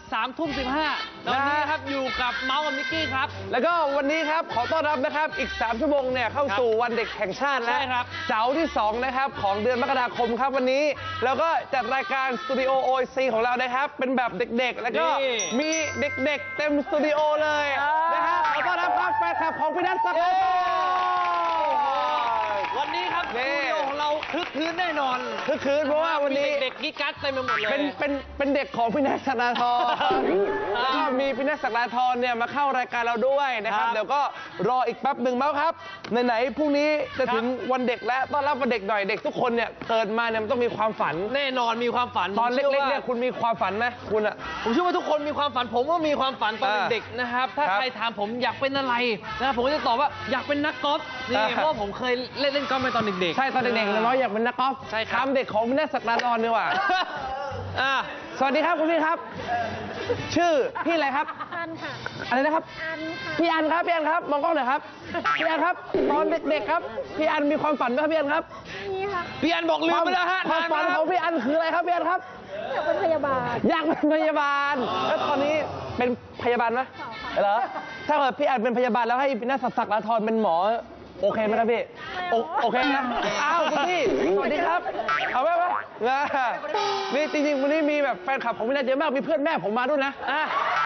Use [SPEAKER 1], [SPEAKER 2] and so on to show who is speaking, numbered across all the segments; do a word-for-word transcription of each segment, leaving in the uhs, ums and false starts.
[SPEAKER 1] สามทุ่มสิบห้าตอนนี้ครับอยู่กับเมาส์กับนิกกี้ครับ
[SPEAKER 2] แล้วก็วันนี้ครับขอต้อนรับนะครับอีกสามชั่วโมงเนี่ยเข้าสู่วันเด็กแห่งชาติแล้วเสาร์ที่สองนะครับของเดือนมกราคมครับวันนี้แล้วก็จัดรายการสตูดิโอ โอ ซี ของเรานะครับเป็นแบบเด็กๆแล้วก็มีเด็กๆเต็มสตูดิโอเลยนะครับขอต้อนรับครับแฟนคลับของพี่นัทสักดิ์
[SPEAKER 1] วันนี้ครับสตูดิโอของเราคึกคืนแน่นอน
[SPEAKER 2] คึกคืนเพราะว่าวันนี้
[SPEAKER 1] เด็กกิ๊กกั๊ดเต็มไปหมดเลย
[SPEAKER 2] เป็นเป็นเป็นเด็กของพี่นัทศักดาธรแล้วก็มีพี่นัทศักดาธรเนี่ยมาเข้ารายการเราด้วยนะครับเดี๋ยวก็รออีกแป๊บหนึ่งเมาส์ครับไหนๆพรุ่งนี้จะถึงวันเด็กแล้วต้อนรับวันเด็กหน่อยเด็กทุกคนเนี่ยเกิดมาเนี่ยมันต้องมีความฝัน
[SPEAKER 1] แน่นอนมีความฝัน
[SPEAKER 2] ตอนเล็กๆเนี่ยคุณมีความฝันไหมคุณอะ
[SPEAKER 1] ผมเชื่อว่าทุกคนมีความฝันผมก็มีความฝันตอนเด็กๆนะครับถ้าใครถามผมอยากเป็นอะไรนะครับผมก็จะตอบว่าอยากเป็นนักกอล์ฟนี่เพราะผมเคยเล่นเล่นกอล์ฟมาตอนเด็กๆ
[SPEAKER 2] ใช่ตอนเด็กๆน้อยอยากเป็นนักกอล์ฟ
[SPEAKER 1] ใช่ครับ
[SPEAKER 2] เด็กของพี่นัทศักดาธรดีกว่าสวัสดีครับคุณพี่ครับชื่อพี่อะไรครับ
[SPEAKER 3] อันค่ะ
[SPEAKER 2] อะไรนะครับ
[SPEAKER 3] อันค่ะ
[SPEAKER 2] พี่อันครับพี่อันครับมองกล้องหน่อยครับพี่อันครับตอนเด็กๆครับพี่อันมีความฝันไหมครับพี่อันครับ
[SPEAKER 3] มีค่ะ
[SPEAKER 1] พี่อันบอกลืมไปแล้วฮะ
[SPEAKER 2] ความฝันของพี่อันคืออะไรครับพี่อันครับ
[SPEAKER 3] อยากเป็นพยาบาล
[SPEAKER 2] อยากเป็นพยาบาลแล้วตอนนี้เป็นพยาบาลไหมเหรอถ้าเกิดพี่อันเป็นพยาบาลแล้วให้พี่นัทศักดาธรเป็นหมอโอเคไหมครับพี่โอเคนะอ้าวคุณพี่สวัสดีครับเอาไหมวะนี่จริงๆวันนี้มีแบบแฟนคลับของพี่นัทเยอะมากมีเพื่อนแม่ผมมาด้วยนะอ่ะ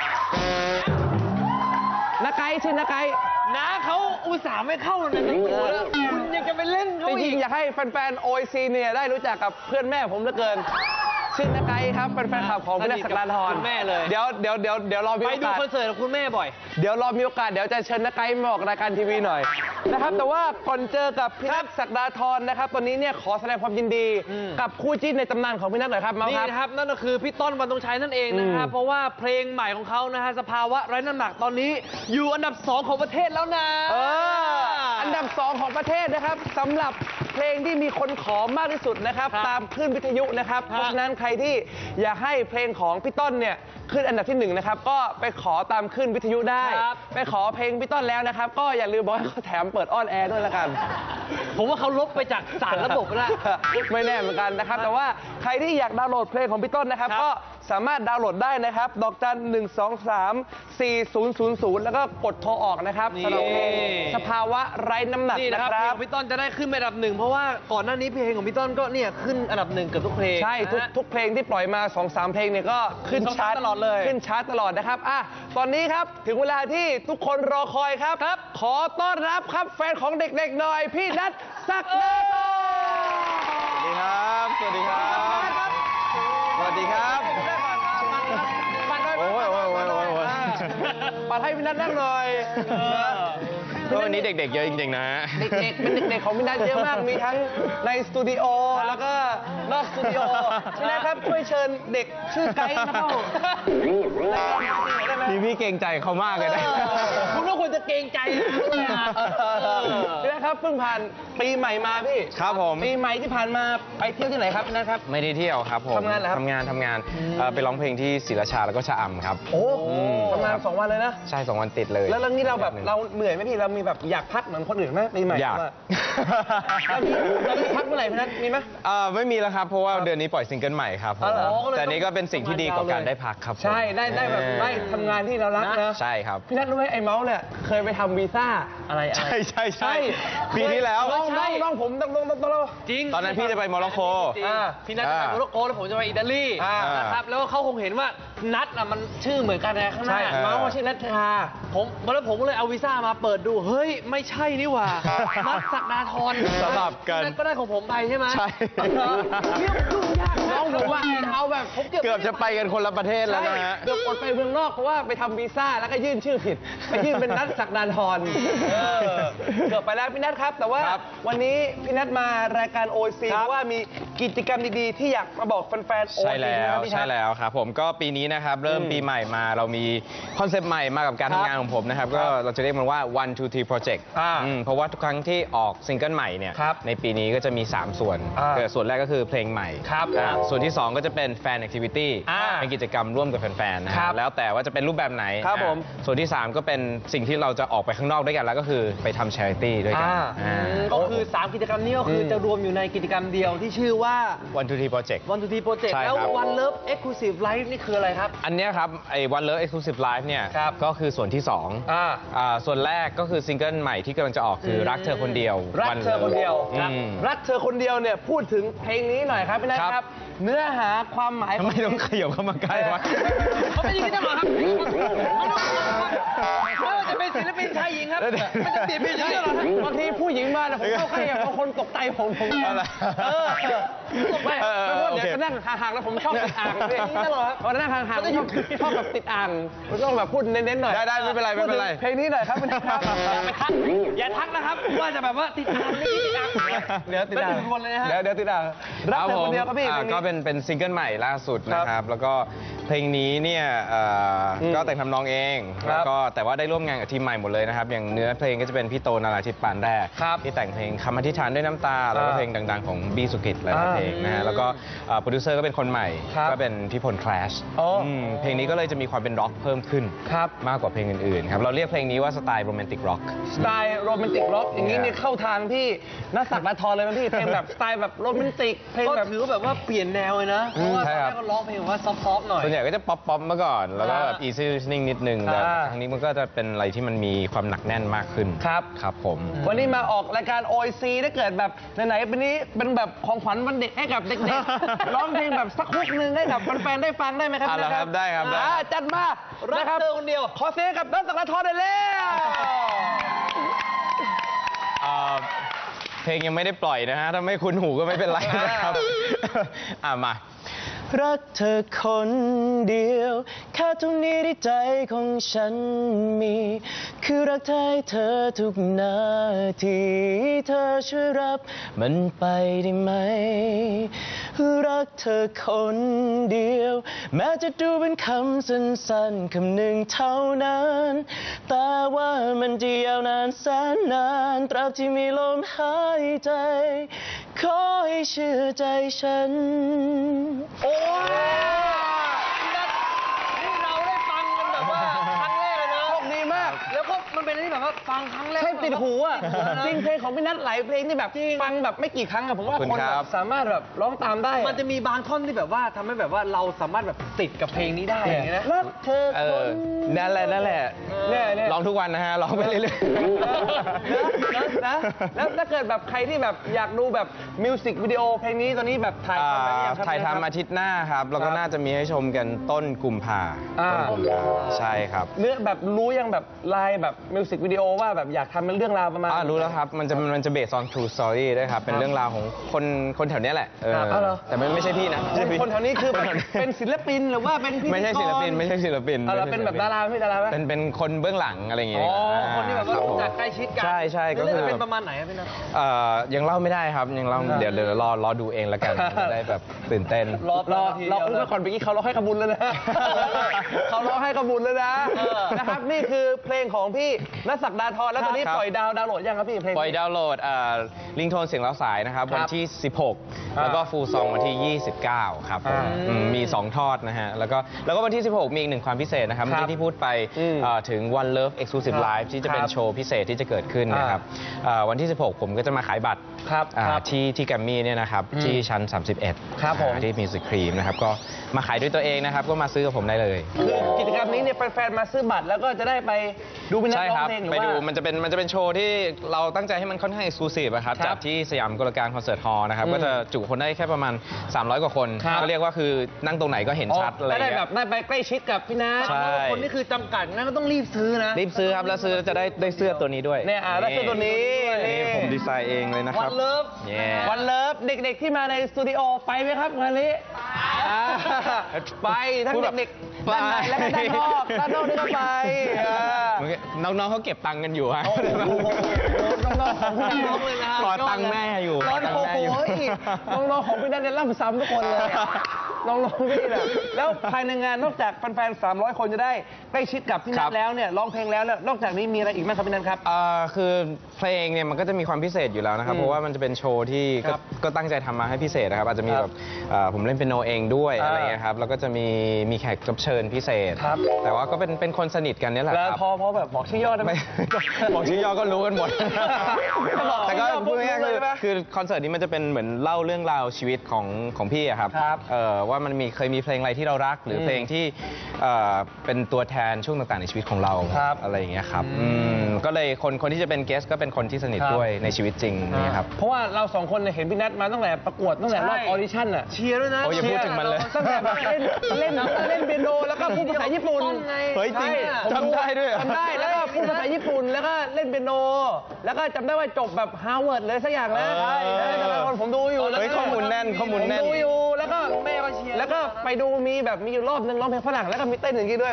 [SPEAKER 2] นักไก่ชื่อนักไก่
[SPEAKER 1] น้าเขาอุตส่าห์ไม่เข้าในนั้นแล้วคุณยังจะไปเล่นเขาอีก
[SPEAKER 2] จริงๆอยากให้แฟนๆ โอ ซี เนี่ยได้รู้จักกับเพื่อนแม่ผมเหลือเกินชื่อนักไก่ครับเป็นแฟนคลับของพี่นัทศักดาธร
[SPEAKER 1] แม่เลย
[SPEAKER 2] เดี๋ยวเดี๋ยวเดี๋ยวเดี๋ยวรอมีโอกาส
[SPEAKER 1] ไปดูคอนเสิร์ตกับคุณแม่บ่อย
[SPEAKER 2] เดี๋ยวรอมีโอกาสเดี๋ยวจะเชิญนักไก่มาออกรายการทีวีหน่อยนะครับแต่ว่าก่อนเจอกับพี่นัทศักดาธรนะครับตอนนี้เนี่ยขอแสดงความยินดีกับคู่จิ้นในตำนานของพี่นัทหน่อยครับมาครับ
[SPEAKER 1] นี่นะครับนั่นก็คือพี่ต้นวรรณธงชัยนั่นเองนะครับเพราะว่าเพลงใหม่ของเขานะฮะสภาวะไร้น้ำหนักตอนนี้อยู่อันดับสองของประเทศแล้วนะ
[SPEAKER 2] อันดับสองของประเทศนะครับสำหรับเพลงที่มีคนขอมากที่สุดนะครับตามคลื่นวิทยุนะครับเพราะฉะนั้นใครที่อยากให้เพลงของพี่ต้นเนี่ยขึ้นอันดับที่หนึ่งนะครับก็ไปขอตามคลื่นวิทยุได้ไปขอเพลงพี่ต้นแล้วนะครับก็อย่าลืมบอกให้เขาแถมเปิดออนแอร์ด้วยละกัน
[SPEAKER 1] ผมว่าเขาลบไปจากสารระบบแล้ว
[SPEAKER 2] ไม่แน่เหมือนกันนะครับแต่ว่าใครที่อยากดาวน์โหลดเพลงของพี่ต้นนะครับก็สามารถดาวน์โหลดได้นะครับดอกจันหนึ่งสองสามสี่ศูนย์ศูนย์ศูนย์แล้วก็กดโทรออกนะครับสำหรับเพลงสภาวะไร้น้ำหนักนะครับ
[SPEAKER 1] เพลงของพี่ต้นจะได้ขึ้นอันดับหนึ่งเพราะว่าก่อนหน้านี้เพลงของพี่ต้นก็เนี่ยขึ้นอันดับหนึ่งเกือบทุกเพลง
[SPEAKER 2] ใช่ทุกทุกเพลงที่ปล่อยมาสองสามเพลงเนี่ยก็ขึ้นชาร์ตตลอดเลยขึ้นชาร์ตตลอดนะครับอ่ะตอนนี้ครับถึงเวลาที่ทุกคนรอคอยครับครับขอต้อนรับครับแฟนของเด็กๆหน่อยพี่นัทศักดาธร
[SPEAKER 4] สวัสดีครับสวัสดีครับสวัสดีครับโอ้ยโอ้ยโอ้ยโอ้ย
[SPEAKER 2] ปัดให้พี่นัทนั่งหน่อย
[SPEAKER 4] วันนี้เด็กๆเยอะจริงๆนะ
[SPEAKER 2] เด็กๆเป็นเด็กๆของพี่นัทเยอะมากมีทั้งในสตูดิโอแล้วก็นอกสตูดิโอพี่นัทครับช่วยเชิญเด็กชื่อไกด์มาเข้า
[SPEAKER 4] พี่พี่เกรงใจเขามากเลยนะ
[SPEAKER 1] คุณก็ควรจะเกรงใจ
[SPEAKER 2] พี่นัทครับเพิ่งผ่านปีใหม่มาพี่
[SPEAKER 4] ครับผม
[SPEAKER 2] ปีใหม่ที่ผ่านมาไปเที่ยวที่ไหนครับพี่นัทครับ
[SPEAKER 4] ไม่ได้เที่ยวครับผม
[SPEAKER 2] ทำงานเหรอครับ
[SPEAKER 4] ทำงานทำงานไปร้องเพลงที่ศรีราชาแล้วก็ชะอำครับ
[SPEAKER 2] โอ้ทำงานสองวันเลยนะ
[SPEAKER 4] ใช่สองวันติดเลย
[SPEAKER 2] แล้วเรื่องนี้เราแบบเราเหนื่อยไหมพี่เรามีแบบอยากพักเหมือนคนอื่นไหมปีใหม่
[SPEAKER 4] อยาก
[SPEAKER 2] เรามีพักเมื่อไหร่พี่นัทมีไหม
[SPEAKER 4] ไม่มีแล้วครับเพราะว่าเดือนนี้ปล่อยซิงเกิลใหม่ครับแต่นี้ก็เป็นสิ่งที่ดีกว่าการได้พักครับ
[SPEAKER 2] ใช่ได้ได้แบบได้ทำงานที่เรารักนะ
[SPEAKER 4] ใช่ครับ
[SPEAKER 2] พี่นัทรู้ไหมไอ้เมาส์เนี่ยเคยไปทำวีซ่าอะไร
[SPEAKER 4] ใช่ใช่ใช่ปีที่แล้ว
[SPEAKER 2] น้องน้องผมต้องต้องต้องต้อง
[SPEAKER 4] จริงตอนนั้นพี่จะไปโมร็อกโก
[SPEAKER 1] พี่นัทจะไปโมร็อกโกแล้วผมจะไปอิตาลีนะครับแล้วเขาคงเห็นว่านัทอ่ะมันชื่อเหมือนกันไงข้างหน้า
[SPEAKER 2] เมาส์ชื่อนัทชา
[SPEAKER 1] ผมแล้วผมก็เลยเอาวีซ่ามาเปิดดูเฮ้ยไม่ใช่นี่หว่านัทศักดาธร
[SPEAKER 4] สลับกัน
[SPEAKER 1] ก็ได้ของผมไปใช่ไหม
[SPEAKER 4] ใช่
[SPEAKER 1] เรื่องยุ่งยาก
[SPEAKER 2] น้องผมว่าเอาแบบผม
[SPEAKER 4] เกือบจะไปกันคนละประเทศแล้วนะฮะ
[SPEAKER 2] เกือบอดไปเมืองนอกเพราะว่าไปทำวีซ่าแล้วก็ยื่นชื่อผิดไปยื่นเป็นนัทศักดาธรเกือบไปแล้วพี่นัทครับแต่ว่าวันนี้พี่นัทมารายการ โอ ซี เพราะว่ามีกิจกรรมดีๆที่อยากมาบอกแฟนๆ โอ ซี
[SPEAKER 4] ใช่แล้วใช่แล้วครับผมก็ปีนี้นะครับเริ่มปีใหม่มาเรามีคอนเซปต์ใหม่มากับการทำงานของผมนะครับก็เราจะเรียกมันว่า one two three project เพราะว่าทุกครั้งที่ออกซิงเกิลใหม่เนี่ยในปีนี้ก็จะมีสามส่วนส่วนแรกก็คือเพลงใหม่ส่วนที่สองก็จะเป็นแฟนแอคทิวิตี้เป็นกิจกรรมร่วมกับแฟนๆนะครับแล้วแต่ว่าจะเป็นรูปแบบไหนส่วนที่สามก็เป็นสิ่งที่เราจะออกไปข้างนอกด้วยกันแล้วก็คือไปทำ charity ด้วยกัน
[SPEAKER 1] ก็คือสามกิจกรรมนี้ก็คือจะรวมอยู่ในกิจกรรมเดียวที่ชื่อว่าว่า
[SPEAKER 4] วัน ทู ที Project
[SPEAKER 1] One to Three Project
[SPEAKER 4] ใช่ครับ
[SPEAKER 1] แล้ว One Love Exclusive Live นี่คืออะไรครับ
[SPEAKER 4] อันเนี้ยครับไอ้ One Love Exclusive Live เนี่ย
[SPEAKER 1] ครับ
[SPEAKER 4] ก็คือส่วนที่สอง
[SPEAKER 2] อ่า
[SPEAKER 4] อ่าส่วนแรกก็คือซิงเกิลใหม่ที่กำลังจะออกคือรักเธอคนเดียว
[SPEAKER 2] รัก
[SPEAKER 4] One
[SPEAKER 2] เธอคนเดียว
[SPEAKER 4] Love
[SPEAKER 2] ครับ
[SPEAKER 4] อืม
[SPEAKER 2] รักเธอคนเดียวเนี่ยพูดถึงเพลงนี้หน่อยครับพี่นัท
[SPEAKER 4] ครับ
[SPEAKER 2] ครับ เนื้อหาความหมาย
[SPEAKER 4] ทำไมต้องขยับเข้ามาใกล้วะ
[SPEAKER 1] เขาเป็นอย่างนี้ได้หรอครับไม่ว่าจะเป็นศิลปินชายหญิงครับไม่จะศิลปินชายหญิงหรอครับ
[SPEAKER 2] บางทีผู้หญิงมาเนี่ยผมเข้าใกล้บางคนตกใจผมผม
[SPEAKER 4] อะไร
[SPEAKER 2] เออไม่
[SPEAKER 4] เออเออ
[SPEAKER 2] ไม่เพราะ
[SPEAKER 4] โอ
[SPEAKER 2] เดี๋ยว
[SPEAKER 4] เค
[SPEAKER 2] จะนั่งห่างๆแล้วผมชอบติดอ่างเลย
[SPEAKER 1] อย่างนี้ได้เหรอครับ
[SPEAKER 2] พอนั่งห่างๆชอบชอบแบบติดอ่างมันต้องแบบพูดเน้นๆหน่อย
[SPEAKER 4] ได้ได้ไม่เป็นไรไม่เป็นไร
[SPEAKER 2] พูดถึงเพลงนี้หน่อยครับพี่นัทครับ
[SPEAKER 1] อย่าไปทักอย่าทักนะครับว่าจะแบบว่าติดตามนี่ติดตาม
[SPEAKER 2] เดี๋ยวติดอ่าง
[SPEAKER 1] ไม่ถึงวนเลยนะฮะ
[SPEAKER 2] เดี๋ยวเดี๋ยวติดอ่างรักเธอคนเดียวครับพี่
[SPEAKER 4] อ่า
[SPEAKER 2] เพลงนี้
[SPEAKER 4] ก็เป็นเป็นซิงเกิลใหม่ล่าสุดนะครับ แล้วก็เพลงนี้เนี่ยเอ่ออ
[SPEAKER 2] ม
[SPEAKER 4] ก็แต่งทำนองเอง
[SPEAKER 2] ครับ
[SPEAKER 4] แล้วก็แต่ว่าได้ร่วมงานกับทีมใหม่หมดเลยนะครับ อย่างเนื้อเพลงก็จะเป็นพี่โตนาราธิปปานแรก
[SPEAKER 2] ครับ
[SPEAKER 4] ที่แต่งเพลงคำอธิษฐานด้วยน้ำตา แล้วก็
[SPEAKER 2] อ่า
[SPEAKER 4] เพลงดังๆของบีสุกิจหลายๆเพลงนะฮะแล้วก็เอ่อโปรดิวเซอร์ก็เป็นคนใหม่
[SPEAKER 2] ครับ
[SPEAKER 4] ก็เป็นพี่พลคลาช
[SPEAKER 2] อ๋ออื
[SPEAKER 4] มเพลงนี้ก็เลยจะมีความเป็นร็อกเพิ่มขึ้น
[SPEAKER 2] ครับ
[SPEAKER 4] มากกว่าเพลงอื่นๆครับเราเรียกเพลงนี้ว่าสไตล์โรแมนติกร็อก
[SPEAKER 2] สไตล์โรแมนติกร็อกอย่างนี้เนี่ยเข้าทางพี่นักสักดาทรเลยนะพี่เพลงแบบสไตล์แบบโรแมนติกเพลง
[SPEAKER 1] ก็
[SPEAKER 2] แบบ
[SPEAKER 1] ถือว่าแบบว่าเปลี่ยนแนวเลยนะ เพราะว่าตอน
[SPEAKER 4] ใช่
[SPEAKER 1] แร
[SPEAKER 4] ครับ
[SPEAKER 1] กก็ร้องเพลงแบบว่าซอฟต์ๆหน่อย
[SPEAKER 4] ส่วนใหญ่ก็จะป๊อปป๊อปมาก่อน แล้วก็แบบ
[SPEAKER 1] อ่า
[SPEAKER 4] easy listening นิดนึงแต่
[SPEAKER 2] อ่า
[SPEAKER 4] ครั้งนี้มันก็จะเป็นอะไรที่มันมีความหนักแน่นมากขึ้น
[SPEAKER 2] ครับ
[SPEAKER 4] ครับผม
[SPEAKER 2] วันนี้มาออกรายการ โอ ไอ ซี ถ้าเกิดแบบไหนๆเป็นนี้เป็นแบบของขวัญวันเด็กให้กับเด็กๆ ร้องเพลงแบบสักฮุกหนึ่งให้กับแฟนๆได้ฟังได้ไหมครับ
[SPEAKER 4] เอาละครับได้ครับได้
[SPEAKER 2] อ่าจัดมา
[SPEAKER 1] รั
[SPEAKER 2] นะ
[SPEAKER 1] ก
[SPEAKER 2] ครับ
[SPEAKER 1] เธอคนเดียว
[SPEAKER 2] ขอเสียงกับนักสักดาทรได้แล้ว
[SPEAKER 4] เอ่อเพลงยังไม่ได้ปล่อยนะฮะ ถ้าไม่คุ้นหูก็ไม่เป็นไรนะครับ อ่ะมา รักเธอคนเดียวแค่ตรงนี้ที่ใจของฉันมี คือรักเธอให้เธอทุกนาทีเธอช่วยรับมันไปได้ไหม รักเธอคนเดียวแม้จะดูเป็นคำสั้นๆคำหนึ่งเท่านั้นแต่ว่ามันจะยาวนานแสนนานตราบที่มีลมหายใจขอให้เชื่อใจฉัน
[SPEAKER 1] โอ้ยนี่เราได้ฟังกันแบบว่าครั้งแรกเลยนะ
[SPEAKER 2] โชคดีมาก
[SPEAKER 1] แล้วก็มันเป็นอะไรที่แบบว่าฟังครั้งแรก
[SPEAKER 2] ใช่ติดหูอ่ะ
[SPEAKER 1] แบบว่า
[SPEAKER 2] จริงเพลงของพี่นัทหลายเพลงที่แบบฟังแบบไม่กี่ครั้งอะผมว่า
[SPEAKER 4] ขอบ
[SPEAKER 2] ค
[SPEAKER 4] คุ
[SPEAKER 2] น
[SPEAKER 4] ณครับ
[SPEAKER 2] แบบสามารถแบบร้องตามได้อะ
[SPEAKER 1] มันจะมีบางท่อนที่แบบว่าทำให้แบบว่าเราสามารถแบบติดกับเพลงนี้ได้อย่างเงี้ยนะ
[SPEAKER 2] รักเธอ
[SPEAKER 4] เอ
[SPEAKER 2] ค
[SPEAKER 4] อน นั่นแหละนั่นแหละ
[SPEAKER 2] เนี่ยเนี่ย
[SPEAKER 4] ร้องทุกวันนะฮะร้องไปเรื่อย
[SPEAKER 2] นะนะแล้วถ้าเกิดแบบใครที่แบบอยากดูแบบมิวสิกวิดีโอเพลงนี้ตอนนี้แบบถ่าย
[SPEAKER 4] อ่า
[SPEAKER 2] ทำไปหรือยังครับ
[SPEAKER 4] ถ่ายทำอาทิตย์หน้าครับ แล้วก็
[SPEAKER 2] ครับ
[SPEAKER 4] น่าจะมีให้ชมกันต้นกุมภา
[SPEAKER 2] อ่า
[SPEAKER 4] ต้นกุมภาใช่ครับ
[SPEAKER 2] เนื้อแบบรู้ยังแบบลายแบบมิวสิกวิดีโอว่าแบบอยากทำเป็นเรื่องราวประมาณ
[SPEAKER 4] อ่ารู้แล้วครับ มันจะมันจะ based on true story ด้วยครับ เป็นเรื่องราวของคนคนแถวเนี้ยแหละเออ
[SPEAKER 2] ครับเอาเหรอ
[SPEAKER 4] แต่ไม่ไม่ใช่พี่นะ
[SPEAKER 2] คนคนแถวนี้คือแบบ
[SPEAKER 4] คแถว
[SPEAKER 2] เป็นศิลปินหรือว่าเป็นพิธีกร
[SPEAKER 4] ไม่ใช่ศิลปินไม่ใช่ศิลปิน
[SPEAKER 2] เอาเหรอ
[SPEAKER 4] ไม่ใช่
[SPEAKER 2] เป็นแบบ
[SPEAKER 4] ศิล
[SPEAKER 2] ดาราไหมดาราไหม
[SPEAKER 4] เป็นเป็นคนเบื้องหลังอะไรอย่างเงี้ย
[SPEAKER 1] อ๋อคนที่แบบว่า
[SPEAKER 4] รับผม
[SPEAKER 1] รู้จักใกล้ชิดกัน
[SPEAKER 4] ใช่ใช่ก็
[SPEAKER 1] เรื่
[SPEAKER 4] คือ
[SPEAKER 1] องเป็นประมาณไหนครับพี่นัท
[SPEAKER 4] เอ่อยังเล่าไม่ได้ครับยังเล่าเดี๋ยวเดี๋ยวรอรอดูเองแล้วกันจะได้แบบตื่นเต้น
[SPEAKER 1] รอ
[SPEAKER 2] รอ
[SPEAKER 1] ที
[SPEAKER 2] รอ
[SPEAKER 1] เดียว
[SPEAKER 2] อุ้มไปก่อนเมื่อกี้เขาร้องให้ขบุญแล้วนะ เขาร้องให้ขบุญแล้วนะ
[SPEAKER 1] เออ
[SPEAKER 2] นะครับนี่คือเพลงของพี่นัทศักดาธรแล้วตอนนี้
[SPEAKER 4] ครับ
[SPEAKER 2] ปล่อยดาวดาวน์โหลดยังครับพี่เพลง
[SPEAKER 4] ปล่อยดาวน์โหลดลิงโทนเสียงแล้วสายนะครับ
[SPEAKER 2] ครับ
[SPEAKER 4] วันที่ สิบหก
[SPEAKER 2] อ่า
[SPEAKER 4] แล้วก็ฟูลซองวันที่ ยี่สิบเก้า ครับผม
[SPEAKER 2] อ่า
[SPEAKER 4] อืมมี สอง ทอดนะฮะ แล้วก็แล้วก็วันที่ สิบหก มีอีกหนึ่งความพิเศษนะครับ
[SPEAKER 2] ครับ
[SPEAKER 4] เมื่อกี้ที่พูดไป
[SPEAKER 2] อืม
[SPEAKER 4] เอ่อถึง One Love Exclusive
[SPEAKER 2] ครับ
[SPEAKER 4] Live ที่จะเป็น
[SPEAKER 2] ครับ
[SPEAKER 4] โชว์พิเศษที่จะเกิดขึ้นนะครับเอ่อวันที่ สิบหก ผมก็จะมาขายบัตร
[SPEAKER 2] ครับ
[SPEAKER 4] อ่า
[SPEAKER 2] ครับ
[SPEAKER 4] ที่ที่แกรมมี่เนี่ยนะครับ
[SPEAKER 2] อืม
[SPEAKER 4] ที่ชั้น สามสิบเอ็ด
[SPEAKER 2] ครับผม
[SPEAKER 4] อ่าที่มิวสิครีมนะครับ ก็มาขายด้วยตัวเองนะครับ ก็มาซื้อกับผมได้เลย
[SPEAKER 2] คือกิจกรรมนี้เนี่ยแฟนๆมาซื้อบัตรแล้วก็จะได้ไปดูพี่นัท
[SPEAKER 4] ใช่
[SPEAKER 2] ร้อ
[SPEAKER 4] ค
[SPEAKER 2] ง
[SPEAKER 4] รับ
[SPEAKER 2] เพลงหรือ
[SPEAKER 4] ไป
[SPEAKER 2] ว่า
[SPEAKER 4] ดูมันจะเป็นมันจะเป็นโชว์ที่เราตั้งใจให้มันค่อนข้างเอกซ์คลูซีฟครับ
[SPEAKER 2] ครับ
[SPEAKER 4] จัดที่สยามกลการคอนเสิร์ตฮอลล์นะครับ
[SPEAKER 2] อืม
[SPEAKER 4] ก็จะจุคนได้แค่ประมาณ สามร้อย กว่าคน
[SPEAKER 2] ครับ
[SPEAKER 4] ก็เรียกว่าคือนั่งตรงไหนก็เห็นชัดอะไรอ
[SPEAKER 2] ได้
[SPEAKER 4] ย่าง
[SPEAKER 2] แบ
[SPEAKER 4] เงี้
[SPEAKER 2] บ
[SPEAKER 4] ย
[SPEAKER 2] ได้ไปใกล้ชิดกับพี่นัท
[SPEAKER 4] ใช่
[SPEAKER 1] คนนี่คือจำกัดงั้นก็ต้องรีบซื้อนะ
[SPEAKER 4] รีบซื้อครับ แล้วซื้อจะได้ได้เสื้อตัวนี้ด้วย
[SPEAKER 2] เนี่ยอ่ะได้เสื้อตัวนี้
[SPEAKER 4] นี่ผมดีไซน์เองเลยนะค
[SPEAKER 1] วั
[SPEAKER 4] รับ
[SPEAKER 1] นเลิฟ
[SPEAKER 4] เย้
[SPEAKER 2] วันเลิฟเด็กๆที่มาในสตูดิโอไปไหมครับงานนี้อ่าไปทั้ง
[SPEAKER 4] พูดแบบ
[SPEAKER 2] เด็กๆด้านในและก็ด้านนอกด้านนอกนี่ก็ไปอ่า
[SPEAKER 4] น้องๆเขาเก็บตังค์กันอยู่ฮะ
[SPEAKER 2] โอ้โหน้องๆของพี่นัท
[SPEAKER 1] น้องๆเลยนะ
[SPEAKER 4] รอตังค์แม่อยู่
[SPEAKER 2] น้
[SPEAKER 4] ร
[SPEAKER 2] อ
[SPEAKER 4] อง ตังค์แม่อยู่
[SPEAKER 2] ๆน้องๆของพี่นัทเนี่ยล่ำซ้ำทุกคนเลยอะลองลองพี่แหละแล้วภายในงานนอกจากแฟนๆสามร้อยคนจะได้ใกล้ชิดกับพี่นัทแล้วเนี่ยร้องเพลงแล้วนอกจากนี้มีอะไรอีกไหมครับพี่นัทครับ
[SPEAKER 4] อ่าคือเพลงเนี่ยมันก็จะมีความพิเศษอยู่แล้วนะครับเพราะว่ามันจะเป็นโชว์ที่ก็ก็ตั้งใจทำมาให้พิเศษนะครับอาจจะมีแบบผมเล่นเปียโนเองด้วยอะไรเงี้ยครับแล้วก็จะมีมีแขกรับเชิญพิเศษแต่ว่าก็เป็นเป็นคนสนิทกันนี่แหละครับ
[SPEAKER 2] พอพอแบบบอกชื่อย่อได้ไหม
[SPEAKER 4] บอกชื่อย่อก็รู้กันหมดแต่ก็พูดง่ายๆคือคือคอนเสิร์ตนี้มันจะเป็นเหมือนเล่าเรื่องราวชีวิตของของพี่อะครับว่ามันมีเคยมีเพลงอะไรที่เรารักหรือเพลงที่เป็นตัวแทนช่วงต่างๆในชีวิตของเราอะไรอย่างเงี้ยครับก็เลยคนคนที่จะเป็นเกสก็เป็นคนที่สนิทด้วยในชีวิตจริงนี่ครับ
[SPEAKER 2] เพราะว่าเราสองคนเห็นพี่นัทมาตั้งแต่ประกวดตั้งแต่รอบออดิชั่นอ่ะ
[SPEAKER 1] เชียร์ด้วยนะ
[SPEAKER 4] โอ้ยพูดถึงมันเลย
[SPEAKER 2] ตั้งแต่เล่นเล่นเล่นเปียโนแล้วก็พูดภาษาญี่ปุ่น
[SPEAKER 4] เฮ้ยจริงจำได้ด้วย
[SPEAKER 2] จำได้แล้วก็พูดภาษาญี่ปุ่นแล้วก็เล่นเปียโนแล้วก็จำได้ว่าจบแบบฮาร์วาร์ดเลยสักอย่างนะใช่ผมดูอยู่
[SPEAKER 4] เฮ้ยข้อมูลแน่นข้อมูลแน่น
[SPEAKER 2] ดูอยู่แล้วก็แม่ก็เชียร์แล้วก็ไปดูมีแบบมีอยู่รอบนึงร้องเพลงฝรั่งแล้วก็มีเต้นอย่างนี้ด้วย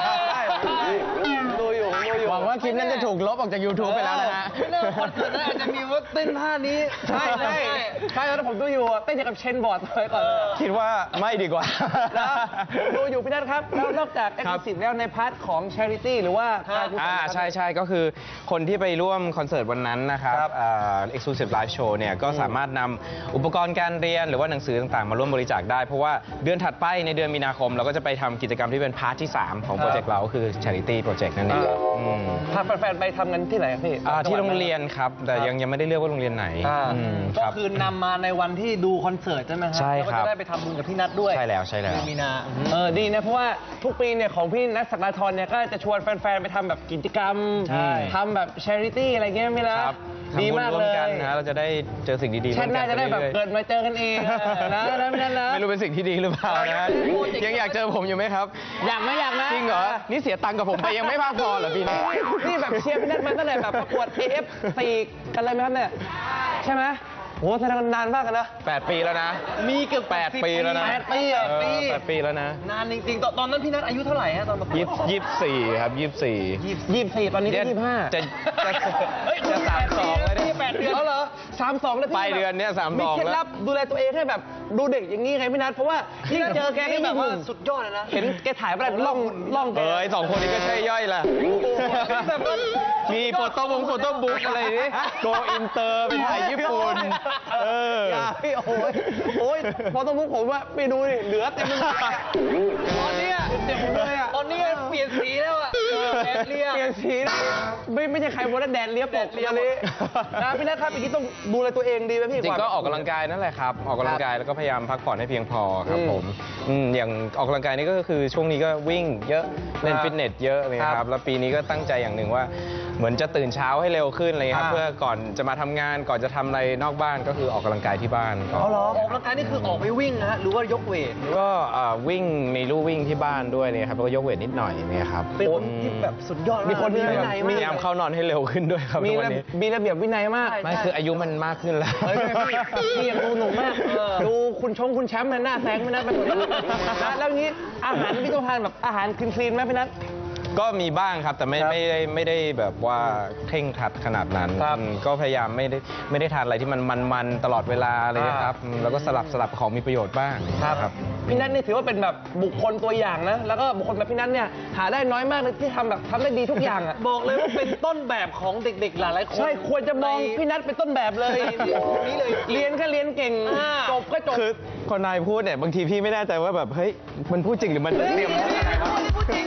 [SPEAKER 2] ดูอยู่ดูอยู่
[SPEAKER 4] หวังว่าคลิปนั้นจะถูกลบออกจาก ยูทูบ ไปแล้วนะฮะ
[SPEAKER 1] ไม่แน่คอนเสิร์ตนั้นอาจจะมีว่าเต้นท่านี้
[SPEAKER 2] ใช่ใช่ใช่แล้วผมดูอยู่เต้นอย่างกับเชนบอร์ดไปก่อน
[SPEAKER 4] คิดว่าไม่ดีกว่า
[SPEAKER 2] แล้วดูอยู่พี่นัทครับแล้วนอกจากเอ็กซ์คลูซีฟแล้วในพาร์ทของ charity หรือว่า
[SPEAKER 4] อ่าใช่ใช่ก็คือคนที่ไปร่วมคอนเสิร์ตวันนั้นนะครับเอ็กซ์คลูซีฟไลฟ์โชว์เนี่ยก็สามารถนำอุปกรณ์การเรียนหรือว่าหนังสือต่างๆมาร่วมบริจาคได้เพราะว่าเดือนถัดไปในเดือนมีนาคมเราก็จะไปทำกิจกรรมที่เป็นพาร์ทที่สามของโปรเจกต์เราคือ charity project นั่นเอง
[SPEAKER 2] พาแฟนๆไปทำกันที่ไหนพี่
[SPEAKER 4] ที่โรงเรียนครับแต่ยังยังไม่ได้เลือกว่าโรงเรียนไหน
[SPEAKER 1] ก็คือนำมาในวันที่ดูคอนเสิร์ตใช่ไหมครับ
[SPEAKER 4] ใช่ครับ
[SPEAKER 1] แล้วก็จะได้ไปทำบุญกับพี่นัทด้วย
[SPEAKER 4] ใช่แล้วใช่แล้ว
[SPEAKER 1] มีนา
[SPEAKER 2] เออดีนะเพราะว่าทุกปีเนี่ยของพี่นัทศักดาธรเนี่ยก็จะชวนแฟนๆไปทำแบบกิจกรรมทำแบบ charity อะไรเงี้ยไม่ละดีมากเลย
[SPEAKER 4] นะเราจะได้เจอสิ่งดีๆ
[SPEAKER 2] ชาติหน้าจะได้แบบเกิดมาเจอกันเองนะนะไม่นะ
[SPEAKER 4] ไม่รู้เป็นสิ่งที่ดีหรือเปล่านะยังอยากเจอผมอยู่ไหมครับ
[SPEAKER 2] อยากไหมอยากนะ
[SPEAKER 4] จริงเหรอนี่เสียตังค์กับผมไปยังไม่มากพอเหรอพี่
[SPEAKER 2] นี่แบบเชียร์พี่นัทมาตั้งแต่แบบประกวด เอ เอฟ สี่กันเลยไหมครับเนี่ยใช่ไหมโหแสดงนานมากนะ
[SPEAKER 4] แปดปีแล้วนะ
[SPEAKER 1] มีเกือบ
[SPEAKER 4] แปดปีแล้วนะ
[SPEAKER 1] แปดปีอ่ะปี
[SPEAKER 4] แปดปีแล้วนะ
[SPEAKER 1] นานจริงๆตอนนั้นพี่นัทอายุเท่าไหร่ฮะตอนประกวด
[SPEAKER 4] ยี่สิบสี่ครับยี่สิบสี่
[SPEAKER 2] ยี่สิบสี่ตอนนี้ก็ยี่สิบห้า
[SPEAKER 4] จะจะจะสามสองเลย
[SPEAKER 2] เนี่ยแปดเดือนแล้วเหรอสามสองเลย
[SPEAKER 4] ไปเดือนเนี้ยสามสอง
[SPEAKER 2] มีเคล็ดลับดูแลตัวเองให้แบบดูเด็กอย่างนี้ไงพี่นัทเพราะว่ายิ่งเจอแกนี่แบบว่า
[SPEAKER 1] สุดยอดเลยนะ
[SPEAKER 2] เห็นแกถ่ายแบบล่องล่อง
[SPEAKER 4] เอ้ยสองคนนี้ก็ใช่ย่อยแหละมีโฟโต้บุ๊กโฟโต้บุ๊กอะไรนี่โกอินเตอร์ไปถ่ายญี่ปุ่นเออ
[SPEAKER 2] พี่โอ้ยโอ้ยพอต้องมุกผมว่าไปดูดิเหลือเต็มไปหมด
[SPEAKER 1] ตอนนี้เต็มเลยอ่ะตอนนี้เปลี่ยนสีแล้วอ่ะแดดเลีย
[SPEAKER 2] เปลี่ยนสีไม่ไม่ใช่ใครบอกว่าแดดเลียปกเลียเลยนะพี่นัทครับเมื่อกี้ต้องดูแลตัวเองดีไหมพี่
[SPEAKER 4] จริงก็ออกกำลังกายนั่นแหละครับออกกำลังกายแล้วก็พยายามพักผ่อนให้เพียงพอครับผมอย่างออกกำลังกายนี่ก็คือช่วงนี้ก็วิ่งเยอะเล่นฟิตเนสเยอะเลยครับแล้วปีนี้ก็ตั้งใจอย่างหนึ่งว่าเหมือนจะตื่นเช้าให้เร็วขึ้นเลยครับเพื่อก่อนจะมาทำงานก่อนจะทำอะไรนอกบ้านก็คือออกกำลังกายที่บ้าน
[SPEAKER 1] อ๋อเหรอออกกำลังกายนี่คือออกไปวิ่งนะฮะหรือว่ายกเวท
[SPEAKER 4] ก็วิ่งมีลู่วิ่งที่บ้านด้วยเนี่ยครับแล้วก็ยกเวทนิดหน่อยเนี่ยครับ
[SPEAKER 1] เป็นคนที่แบบสุดยอด
[SPEAKER 2] มีคนมีวินัยมาก
[SPEAKER 4] พยายามเข้านอนให้เร็วขึ้นด้วยครับ
[SPEAKER 2] มีมีระเบียบวินัยมาก
[SPEAKER 4] ไม่คืออายุมันมากขึ้นแล้ว
[SPEAKER 2] พี่ยังดูหนุ่มมากดูคุณชงคุณแชมป์หน้าแซงไม่ได้ไปหมดแล้วงี้อาหารพี่ต้องทานแบบอาหารคลีนๆไหมพี่นัท
[SPEAKER 4] ก็มีบ้างครับแต่ไม่ไม่ได้ไม่ได้แบบว่าเคร่งครัดขนาดนั้นก็พยายามไม่ได้ไม่ได้ทานอะไรที่มันมันๆตลอดเวลาเลยครับแล้วก็สลับสลับของมีประโยชน์บ้าง
[SPEAKER 2] ครับพี่นัทนี่ถือว่าเป็นแบบบุคคลตัวอย่างนะแล้วก็บุคคลแบบพี่นัทเนี่ยหาได้น้อยมากเลยที่ทำแบบทำได้ดีทุกอย่างอ่ะ
[SPEAKER 1] บอกเลยว่าเป็นต้นแบบของเด็กๆหลายๆคน
[SPEAKER 2] ใช่ควรจะมองพี่นัทเป็นต้นแบบเลย
[SPEAKER 1] นี่เลย
[SPEAKER 2] เรียนก็เรียนเก่งจบก็จบ
[SPEAKER 4] คือคนนายพูดเนี่ยบางทีพี่ไม่แน่ใจว่าแบบเฮ้ยมันพูดจริงหรือมันเตรียมอะไรวะ
[SPEAKER 1] พูดจริง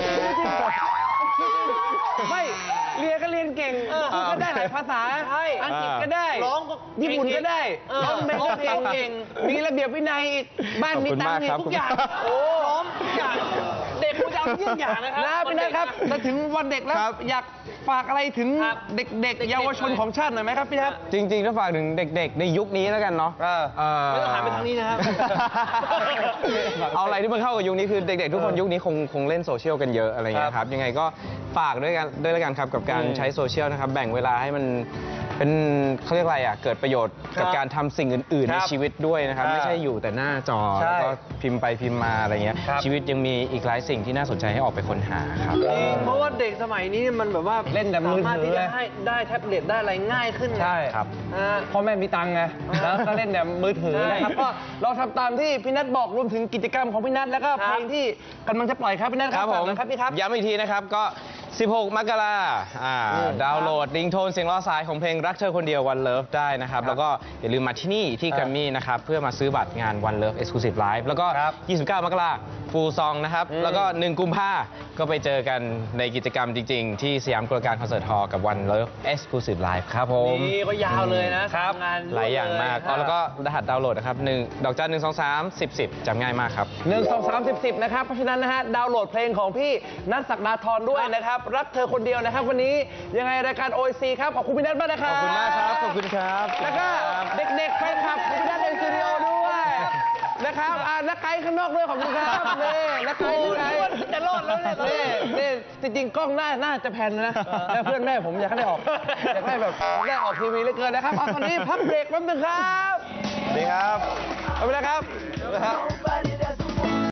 [SPEAKER 2] ไม่เรียนก็เรียนเก่งพูดก็ได้หลายภาษาอังกฤษก็ได้
[SPEAKER 1] ร้อง
[SPEAKER 2] ญี่ปุ่นก็ได้ร้องเพลงเก่งมีระเบียบวินัยบ้านมีตังค์ทุกอย่าง
[SPEAKER 1] โอ้พร้อมทุกอย่างเด็กคุณจะเอาทุกอย่างนะครับ
[SPEAKER 2] นะพี่นัทครับจะถึงวันเด็กแล้วอยากฝากอะไรถึงเด็กๆเยาวชนของชาติหน่อยไหมครับพี่ครับ
[SPEAKER 4] จริงๆถ้าฝากถึงเด็กๆในยุคนี้แล้วกันเนาะ
[SPEAKER 1] ไม่ต้องหันไปทางนี้นะครับ
[SPEAKER 4] เอาอะไรที่มันเข้ากับยุคนี้คือเด็กๆทุกคนยุคนี้คงคงเล่นโซเชียลกันเยอะอะไรเงี้ยครับยังไงก็ฝากด้วยกันด้วยกันครับกับการใช้โซเชียลนะครับแบ่งเวลาให้มันเป็นเขาเรียกอะไรอ่ะเกิดประโยชน์กับการทำสิ่งอื่น ๆ ในชีวิตด้วยนะครับ ไม่ใช่อยู่แต่หน้าจอแล้วก็พิมพ์ไปพิมพ์มาอะไรเงี้ยชีวิตยังมีอีกหลายสิ่งที่น่าสนใจให้ออกไปค้นหาครับ
[SPEAKER 1] จริงเพราะว่าเด็กสมัยนี้มันแบบว่า
[SPEAKER 2] เล่นแต่มือถือ
[SPEAKER 1] สามารถที่จะให้ได้แท็บเล็ตได้อะไรง่ายขึ้น
[SPEAKER 2] ใช่
[SPEAKER 4] ครับ
[SPEAKER 1] ฮะ
[SPEAKER 2] พ่อแม่มีตังค์ไงแล้วก็เล่นแต่มือถือนะครับ
[SPEAKER 1] ใช่
[SPEAKER 2] ก็ลองทำตามที่พี่นัทบอกรวมถึงกิจกรรมของพี่นัทแล้วก็
[SPEAKER 1] ครับ
[SPEAKER 2] เพลงที่กำลังจะปล่อยครับพี่นัท
[SPEAKER 4] ค
[SPEAKER 2] ค
[SPEAKER 4] รั
[SPEAKER 2] รั
[SPEAKER 4] บบ ผม
[SPEAKER 2] ฝากหน่อยครับพี่ครับ
[SPEAKER 4] ย้ำอีกทีนะครับก็ สิบหก มกราอ่า
[SPEAKER 2] อืม
[SPEAKER 4] ดาวน์โหลดริงโทนเสียงล้อสายของเพลงรักเธอคนเดียว One Love ได้นะครับ แล้วก็อย่าลืมมาที่นี่ที่
[SPEAKER 2] ครับ
[SPEAKER 4] แกรมมี่นะครับ เพื่อมาซื้อบัตรงาน One Love Exclusive Live แล้วก็
[SPEAKER 2] ครับ
[SPEAKER 4] ยี่สิบเก้า มกราฟูลซองนะครับ
[SPEAKER 2] อืม
[SPEAKER 4] แล้วก็ หนึ่ง กุมภาก็ไปเจอกันในกิจกรรมจริง ๆ ที่สยามกลการคอนเสิร์ตฮอลล์กับ One Love Exclusive Live ครับผม
[SPEAKER 1] นี่ก็ยาวเลยนะครับ งาน
[SPEAKER 4] หลายอย่างมากอ๋อแล้วก็รหัสดาวน์โหลดนะครับหนึ่งดอกจันหนึ่งสองสามสิบสิบจำง่ายมากครับ
[SPEAKER 2] หนึ่งสองสามสิบสิบนะครับ เพราะฉะนั้นนะฮะดาวน์โหลดเพลงของพี่นัทศักดาธรด้วยนะครับ รักเธอคนเดียวนะครับ วันนี้ยังไงรายการ โอ ซี ครับ ขอบคุณพี่นัทมากนะครับ
[SPEAKER 4] ขอบคุณมากครับ ขอบคุณครับ
[SPEAKER 2] แล้วก็เด็กๆแฟนคลับของพี่นัทในสตูดิโอด้วยนะครับอ่านักไกด์ข้างนอกด้วยขอบคุณครับนี่นักไกด์นักไกด์จะรอดแล้วเนี่ยนี่นี่จริงๆกล้องหน้าน่าจะแพนนะแล้วเพื่อนแม่ผมอยากให้ได้ออกอยากได้แบบได้ออกทีวีเหลือเกินนะครับเอาตอนนี้พักเบรกแป๊บนึงครับ
[SPEAKER 4] สวัสดีครับ
[SPEAKER 2] เอาไปแล้วครับ